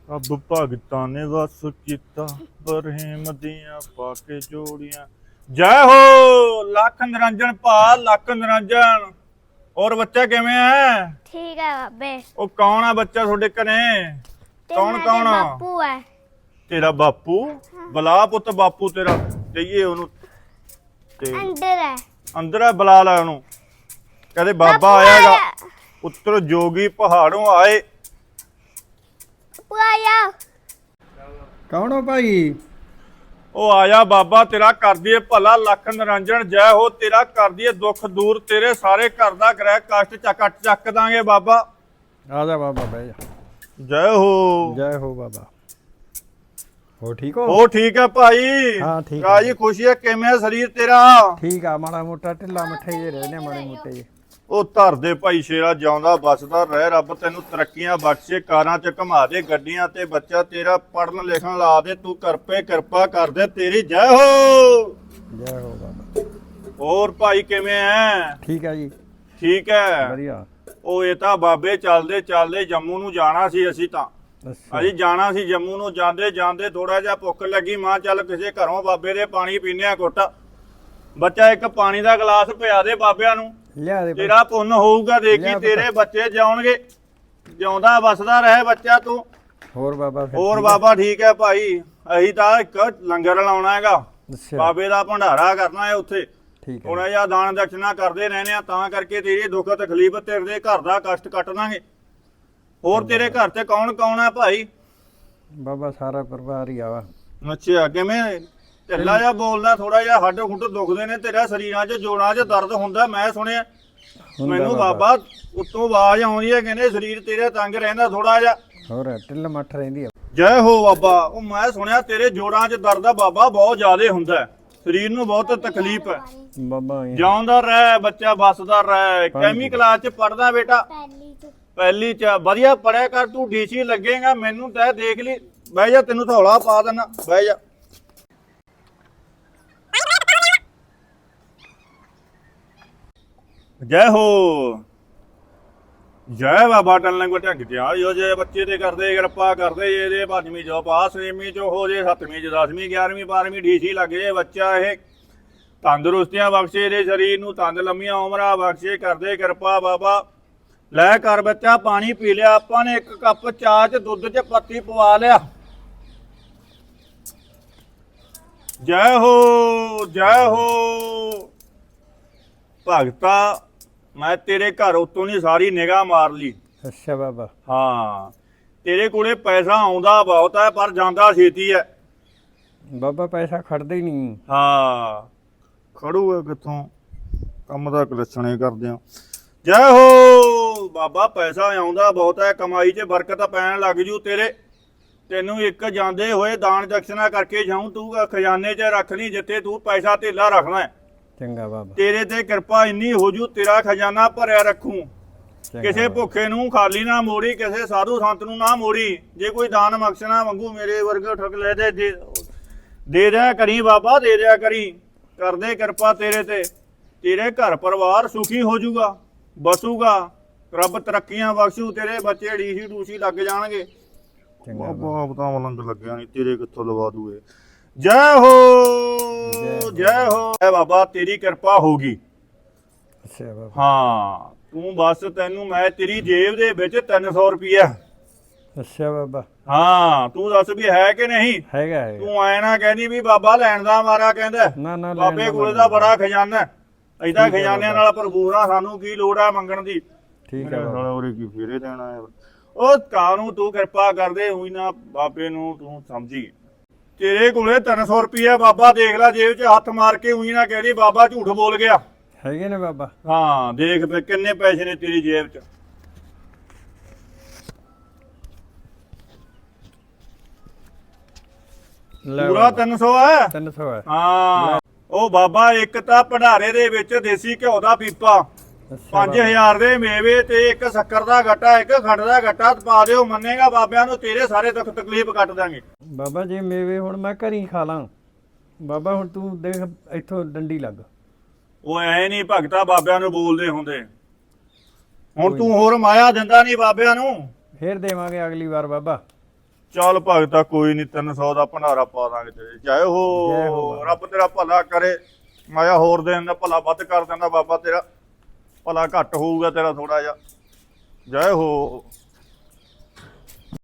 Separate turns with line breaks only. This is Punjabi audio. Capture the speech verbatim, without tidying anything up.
अब भगतां ने वस किता बरहीम दियां पाके जोड़ियां। जय हो लख निरंजन भा, लख निरंजन। और बच्चा किवें है?
ठीक है बाबे।
ओ कौन है बच्चा थोड़े घरे? कौन कौन?
बापू है।
तेरा बापू? बुला पुत बापू तेरा कहिए ओनू
अंदर है।
अंदर है, बुला ला ओनू। कहदे बाबा आएगा। पुत्र जोगी पहाड़ों आए।
आया।
कौन हो भाई?
ओ आया बाबा तेरा कर दिए भला, लख निरंजन जय हो। तेरा कर दिए दुख दूर, तेरे सारे घर दा ग्रह कष्ट चक चक दांगे बाबा।
आजा बाबा बह जा।
जय हो।
जय हो बाबा। हो ठीक हो?
ओ ठीक है भाई।
हाँ ठीक है।
राजी खुशी है, किवें है शरीर तेरा?
ठीक है, माड़ा मोटा ढिला मठे जे रहने माड़े मोटे जे।
ਉਹ ਧਰ ਦੇ ਭਾਈ ਸ਼ੇਰਾ, ਜਿਉਂਦਾ ਬਸਦਾ ਰਹਿ, ਰੱਬ ਤੈਨੂੰ ਤਰੱਕੀਆਂ ਬਖਸ਼ੇ, ਕਾਰਾਂ 'ਚ ਘੁਮਾ ਦੇ ਗੱਡੀਆਂ ਤੇ, ਬੱਚਾ ਤੇਰਾ ਪੜਨ ਲਿਖਣ ਲਾ ਦੇ, ਤੂੰ ਕਰਪੇ ਕਿਰਪਾ ਕਰ ਦੇ, ਤੇਰੀ ਜੈ ਹੋ।
ਜੈ ਹੋ ਬਾਬਾ।
ਹੋਰ ਭਾਈ ਕਿਵੇਂ ਐ?
ਠੀਕ ਹੈ ਜੀ।
ਠੀਕ ਹੈ
ਵਧੀਆ।
ਉਹ ਇਹ ਤਾਂ ਬਾਬੇ ਚੱਲਦੇ ਚੱਲਦੇ ਜੰਮੂ ਨੂੰ ਜਾਣਾ ਸੀ। ਅਸੀਂ ਤਾਂ
ਅੱਛਾ।
ਅਸੀਂ ਜਾਣਾ ਸੀ ਜੰਮੂ ਨੂੰ। ਜਾਂਦੇ ਜਾਂਦੇ ਥੋੜਾ ਜਿਹਾ ਭੁੱਖ ਲੱਗੀ, ਮਾਂ ਚੱਲ ਕਿਸੇ ਘਰੋਂ ਬਾਬੇ ਦੇ ਪਾਣੀ ਪੀਨੇ ਆ ਘੁੱਟ। ਬੱਚਾ ਇੱਕ ਪਾਣੀ ਦਾ ਗਲਾਸ ਪਿਆ ਦੇ ਬਾਬਿਆਂ ਨੂੰ,
ਲਿਆ ਦੇ।
ਤੇਰਾ ਪੁੰਨ ਹੋਊਗਾ। ਦੇਖੀ ਤੇਰੇ ਬੱਚੇ ਜਿਉਣਗੇ, ਜਿਉਂਦਾ ਵਸਦਾ ਰਹੇ ਬੱਚਾ ਤੂੰ।
ਹੋਰ ਬਾਬਾ ਫਿਰ?
ਹੋਰ ਬਾਬਾ ਠੀਕ ਹੈ ਭਾਈ। ਅਸੀਂ ਤਾਂ ਇੱਕ ਲੰਗਰ ਲਾਉਣਾ ਹੈਗਾ,
ਅੱਛਾ
ਬਾਬੇ ਦਾ ਭੰਡਾਰਾ ਕਰਨਾ ਹੈ ਉੱਥੇ।
ਠੀਕ ਹੈ।
ਥੋੜਾ ਜਿਹਾ ਦਾਨ ਦਕਸ਼ਨਾ ਕਰਦੇ ਰਹਿੰਦੇ ਆ, ਤਾਂ ਕਰਕੇ ਤੇਰੀ ਦੁੱਖ ਤਕਲੀਫ, ਤੇਰੇ ਦੇ ਘਰ ਦਾ ਕਸ਼ਟ ਕੱਟ ਦਾਂਗੇ। ਹੋਰ ਤੇਰੇ ਘਰ ਤੇ ਕੌਣ ਕੌਣ ਹੈ ਭਾਈ?
ਬਾਬਾ ਸਾਰਾ ਪਰਿਵਾਰ ਹੀ ਆਵਾ।
ਅੱਛਾ ਕਿਵੇਂ ਢਿੱਲਾ ਜਿਹਾ ਬੋਲਦਾ, ਥੋੜਾ ਜਿਹਾ ਹੱਡ ਹੁੱਡ ਦੁਖਦੇ ਨੇ ਤੇਰਾ ਸਰੀਰਾਂ 'ਚ, ਜੋੜਾਂ 'ਚ ਦਰਦ ਹੁੰਦਾ ਮੈਂ ਸੁਣਿਆ। ਮੈਨੂੰ ਬਾਬਾ ਉੱਤੋਂ ਆਵਾਜ਼ ਆਉਂਦੀ ਹੈ, ਕਹਿੰਦੇ ਸਰੀਰ ਤੇਰਾ ਤੰਗ ਰਹਿੰਦਾ ਥੋੜਾ ਜਿਹਾ।
ਹੋਰ ਢਿੱਲ ਮੱਠ ਰਹਿੰਦੀ ਆ।
ਜੈ ਹੋ ਬਾਬਾ। ਉਹ ਮੈਂ ਸੁਣਿਆ ਤੇਰੇ ਜੋੜਾਂ 'ਚ ਦਰਦ ਆ ਬਾਬਾ ਬਹੁਤ ਜ਼ਿਆਦਾ ਹੁੰਦਾ ਹੈ, ਸਰੀਰ ਨੂੰ ਬਹੁਤ ਤਕਲੀਫ ਹੈ।
ਬਾਬਾ ਇਹ
ਜਿਉਂਦਾ ਰਹਿ ਬੱਚਾ, ਬਸਦਾ ਰਹਿ। ਕੈਮੀ ਕਲਾਸ 'ਚ ਪੜਦਾ ਬੇਟਾ?
पहली तो
ਪਹਿਲੀ 'ਚ। ਵਧੀਆ ਪੜਿਆ ਕਰ, ਤੂੰ ਡੀਸੀ ਲੱਗੇਗਾ। ਮੈਨੂੰ ਤੈ ਦੇਖ ਲਈ। ਬਹਿ ਜਾ, ਤੈਨੂੰ ਥੌਲਾ ਪਾ ਦੇਣਾ, ਬਹਿ ਜਾ। ਜੈ ਹੋ। ਜੈ ਬਾਬਾ ਟਲਣ ਕੋ ਢੰਗ ਤੇ ਆ ਜੋ, ਜੇ ਬੱਚੇ ਤੇ ਕਰਦੇ ਕਿਰਪਾ ਕਰਦੇ, ਇਹਦੇ ਪੰਜਵੀਂ ਚੋਂ ਪਾਸ, ਛੇਵੀਂ ਚੋਂ ਹੋ ਜੇ, ਸੱਤਵੀਂ ਚ ਦਸਵੀਂ, ਗਿਆਰਵੀਂ ਬਾਰਵੀਂ ਡੀਸੀ ਲੱਗ ਜੇ ਬੱਚਾ। ਇਹ ਤੰਦਰੁਸਤੀਆਂ ਬਖਸ਼ੇ, ਇਹਦੇ ਸਰੀਰ ਨੂੰ ਤੰਦ ਲੰਮੀਆਂ ਉਮਰਾਂ ਬਖਸ਼ੇ, ਕਰਦੇ ਕਿਰਪਾ ਬਾਬਾ। ਲੈ ਕਰ ਬੱਚਾ ਪਾਣੀ ਪੀ ਲਿਆ। ਆਪਾਂ ਨੇ ਇੱਕ ਕੱਪ ਚਾਹ ਚ ਦੁੱਧ ਚ ਪੱਤੀ ਪਵਾ ਲਿਆ। ਜੈ ਹੋ। ਜੈ ਹੋ ਭਗਤਾ। ਮੈਂ ਤੇਰੇ ਘਰ ਉਤੋਂ ਨਹੀਂ ਸਾਰੀ ਨਿਗਾਹ ਮਾਰ ਲਈ।
ਅੱਛਾ ਬਾਬਾ।
ਹਾਂ ਤੇਰੇ ਕੋਲੇ ਪੈਸਾ ਆਉਂਦਾ ਬਹੁਤ ਹੈ, ਪਰ ਜਾਂਦਾ ਛੇਤੀ ਹੈ।
ਬਾਬਾ ਪੈਸਾ ਖੜਦਾ ਹੀ ਨਹੀਂ।
ਹਾਂ ਖੜੂਗਾ ਕਿੱਥੋਂ, ਕੰਮ ਦਾ ਕਲਛਣੇ ਕਰਦੇ ਆ। ਜੈ ਹੋ ਬਾਬਾ। ਪੈਸਾ ਆਉਂਦਾ ਬਹੁਤ ਹੈ, ਕਮਾਈ 'ਚ ਬਰਕਤ ਪੈਣ ਲੱਗ ਜੂ ਤੇਰੇ। ਤੈਨੂੰ ਇੱਕ ਜਾਂਦੇ ਹੋਏ ਦਾਨ ਦਕਸ਼ਨਾ ਕਰਕੇ ਜਾਊਂ, ਤੂੰ ਖਜ਼ਾਨੇ 'ਚ ਰੱਖ ਲਈ ਜਿੱਥੇ ਤੂੰ ਪੈਸਾ ਧੇਲਾ ਰੱਖਣਾ ਹੈ।
ਚੰਗਾ ਬਾਬਾ।
ਤੇਰੇ ਤੇ ਕਿਰਪਾ ਇੰਨੀ ਹੋ ਜੂ, ਤੇਰਾ ਖਜ਼ਾਨਾ ਭਰਿਆ ਰੱਖੂ। ਕਿਸੇ ਭੁੱਖੇ ਨੂੰ ਖਾਲੀ ਨਾ ਮੋੜੀ, ਕਿਸੇ ਸਾਧੂ ਸੰਤ ਨੂੰ ਨਾ ਮੋੜੀ। ਜੇ ਕੋਈ ਦਾਨ ਬਖਸ਼ਣਾ ਮੰਗੂ, ਮੇਰੇ ਵਰਗਾ ਠੱਗ ਲੈ ਦੇ ਦੇ ਦੇ ਦਿਆ ਕਰੀ ਬਾਬਾ, ਦੇ ਦਿਆ ਕਰੀ। ਕਰਦੇ ਕਿਰਪਾ ਤੇਰੇ ਤੇ, ਤੇਰੇ ਘਰ ਪਰਿਵਾਰ ਸੁਖੀ ਹੋ ਜੂਗਾ, ਬਸੂਗਾ। ਰੱਬ ਤਰੱਕੀਆਂ ਬਖਸ਼ੂ, ਤੇਰੇ ਬੱਚੇ ਡੀਸੀ ਡੂਸੀ ਲੱਗ ਜਾਣਗੇ। ਬਾਬਾ ਤਾਂ ਮਲੰਗ ਲੱਗਿਆ ਨਹੀਂ, ਤੇਰੇ ਕਿੱਥੋਂ ਲਵਾ ਦੂਏ। ਜੈ ਹੋ। ਜੈ ਹੋ। ਐ ਬਾਬਾ ਤੇਰੀ ਕਿਰਪਾ ਹੋਗੀ।
ਅੱਛਾ ਬਾਬਾ।
ਹਾਂ ਤੂੰ ਬਸ, ਤੈਨੂੰ ਮੈਂ ਤੇਰੀ ਜੇਬ ਦੇ ਵਿੱਚ ਤਿੰਨ ਸੌ ਰੁਪਈਆ।
ਅੱਛਾ ਬਾਬਾ।
ਹਾਂ ਤੂੰ ਦੱਸ ਵੀ ਹੈ ਕਿ ਨਹੀਂ?
ਹੈਗਾ ਹੈਗਾ।
ਤੂੰ ਐ ਨਾ ਕਹਿੰਦੀ ਵੀ ਬਾਬਾ ਲੈਣ ਦਾ ਮਾਰਾ ਕਹਿੰਦਾ।
ਨਾ ਨਾ
ਬਾਬੇ ਕੋਲੇ ਦਾ ਬੜਾ ਖਜ਼ਾਨਾ, ਐਦਾਂ ਖਜ਼ਾਨਿਆਂ ਨਾਲ ਭਰਪੂਰ ਆ, ਸਾਨੂੰ ਕੀ ਲੋੜ ਆ ਮੰਗਣ ਦੀ।
ਠੀਕ ਹੈ ਬਾਬਾ।
ਉਰੇ ਕੀ ਫੇਰੇ ਦੇਣਾ ਹੈ। ਉਹ ਕਾਨੂੰ ਤੂੰ ਕਿਰਪਾ ਕਰਦੇ ਹੋਈ ਨਾ, ਬਾਬੇ ਨੂੰ ਤੂੰ ਸਮਝੀ। ਤੇਰੇ ਕੋਲੇ ਤਿੰਨ ਸੌ ਰੁਪਈਆ ਬਾਬਾ, ਦੇਖ ਲੈ ਜੇਬ 'ਚ ਹੱਥ ਮਾਰ ਕੇ ਉਹੀ ਨਾ ਕਹਿ ਬਾਬਾ ਝੂਠ ਬੋਲ ਗਿਆ।
ਹੈਗੇ ਨੇ ਬਾਬਾ।
ਹਾਂ ਦੇਖ ਫੇ ਕਿੰਨੇ ਪੈਸੇ ਨੇ ਤੇਰੀ ਜੇਬ 'ਚ। ਪੂਰਾ ਤਿੰਨ ਸੌ ਹੈ।
ਤਿੰਨ ਸੌ ਹੈ।
ਹਾਂ ਉਹ ਬਾਬਾ ਇੱਕ ਤਾਂ ਭੰਡਾਰੇ ਦੇ ਵਿੱਚ ਦੇਸੀ ਘਿਓ ਦਾ ਪੀਪਾ, ਪੰਜ ਹਜ਼ਾਰ ਦੇ ਮੇਵੇ ਤੇ ਇੱਕ ਸ਼ੱਕਰ ਦਾ ਗੱਟਾ, ਇੱਕ ਖੰਡ ਦਾ ਗੱਟਾ ਪਾ ਦਿਓ। ਮੰਨੇਗਾ ਬਾਬਿਆਂ ਨੂੰ, ਤੇਰੇ ਸਾਰੇ ਦੁੱਖ ਤਕਲੀਫ ਕੱਟ ਦਾਂਗੇ।
ਬਾਬਾ ਜੇ ਮੇਵੇ ਹੁਣ ਮੈਂ ਘਰੀ ਖਾ ਲਾਂ ਬਾਬਾ, ਹੁਣ ਤੂੰ ਦੇਖ ਇੱਥੋਂ ਡੰਡੀ ਲੱਗ।
ਉਹ ਐ ਨਹੀਂ ਭਗਤਾ ਬਾਬਿਆਂ ਨੂੰ ਬੋਲਦੇ ਹੁੰਦੇ। ਹੁਣ ਤੂੰ ਹੋਰ ਮਾਇਆ ਦਿੰਦਾ ਨਹੀਂ ਬਾਬਿਆਂ ਨੂੰ।
ਫੇਰ ਦੇਵਾਂਗੇ ਅਗਲੀ ਵਾਰ ਬਾਬਾ।
ਚੱਲ ਭਗਤਾ ਕੋਈ ਨਹੀਂ ਤਿੰਨ ਸੌ ਦਾ ਭੰਡਾਰਾ ਪਾ ਦਾਂਗੇ ਤੇਰੇ ਜੈ
ਜੈ ਹੋ
ਹੋ
ਬਾਬਾ।
ਰੱਬ ਤੇਰਾ ਭਲਾ ਕਰੇ ਮਾਇਆ ਹੋਰ ਦੇ ਦਿੰਦਾ ਭਲਾ ਵੱਧ ਕਰ ਦਿੰਦਾ ਬਾਬਾ ਤੇਰਾ ਭਲਾ ਘੱਟ ਹੋਊਗਾ ਤੇਰਾ ਥੋੜਾ ਜਿਹਾ ਜੈ ਹੋ